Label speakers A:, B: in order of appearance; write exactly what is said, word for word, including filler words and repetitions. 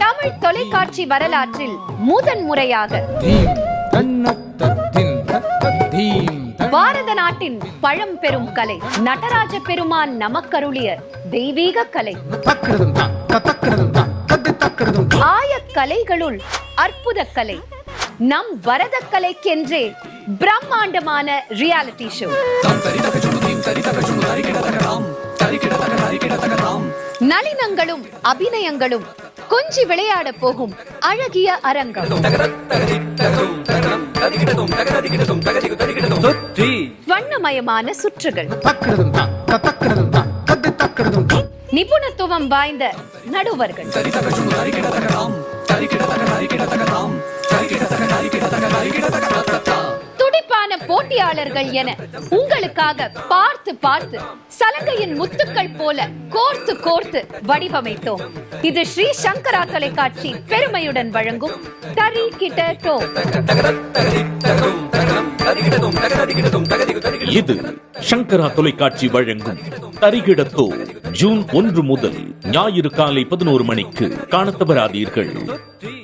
A: தமிழ் தொலைக்காட்சி வரலாற்றில் முதன் முறையாக பாரத நாட்டின் பழம்பெரும் கலை நடராஜ பெருமான் நமக்கருளிய தெய்வீக கலை ஆய கலைகளுள் அற்புத கலை நம் பரத கலைக்கென்றே பிரம்மாண்டமான ரியாலிட்டி ஷோ. நளினங்களும் அபிநயங்களும் கொஞ்சி விளையாட போகும் அழகிய அரங்கம். வண்ணமயமான சுற்றுகள், நிபுணத்துவம் வாய்ந்த நடுவர்கள், துடிப்பான போட்டியாளர்கள் என உங்களுக்காக பார்த்து பார்த்து சலங்கையின் முத்துக்கள் போல கோர்த்து கோர்த்து வடிவமைத்தோம். இது ஸ்ரீ சங்கரா தொலைக்காட்சி பெருமையுடன் வழங்கும் தரிகிட டோ.
B: இது சங்கரா தொலைக்காட்சி வழங்கும் தரிகிட டோ. ஜூன் ஒன்று முதல் ஞாயிறு காலை பதினோரு மணிக்கு காணத் தவறாதீர்கள்.